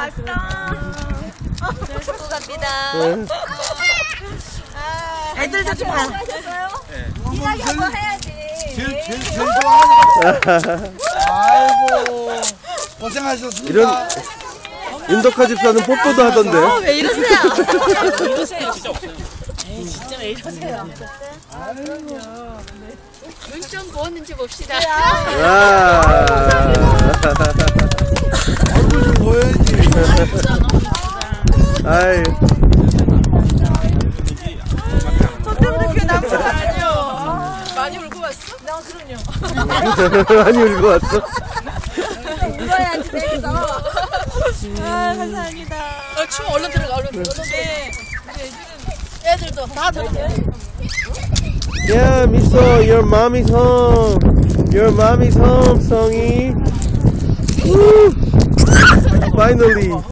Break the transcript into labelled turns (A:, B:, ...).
A: 왔어.
B: 수고 갑니다.
A: 애들도 좀 봐.
B: 이야기 한번 해야지.
C: 제일 좋아하는 거. 아이고 고생하셨습니다.
D: 이런 인도카 집사는 뽀뽀도 하던데.
A: 왜 이러세요?
B: 이러세요. 진짜 없어요. 에이, 진짜 왜 이러세요? 눈 좀 부었는지 봅시다.
D: 와.
C: 얼굴 좀 보여야지.
D: 아이.
A: 저 때문에 그게 남자가 아니요. 많이 울고 왔어? 나 그럼요.
D: 많이 울고 왔어.
A: 울어야지 되겠어. 아 감사합니다. 춤 얼른 들어가 얼른 들어가. 네. 애들도 다 들어가.
D: Yeah, Miso, your mommy's home. Your mommy's home, Songy. Woo! Finally.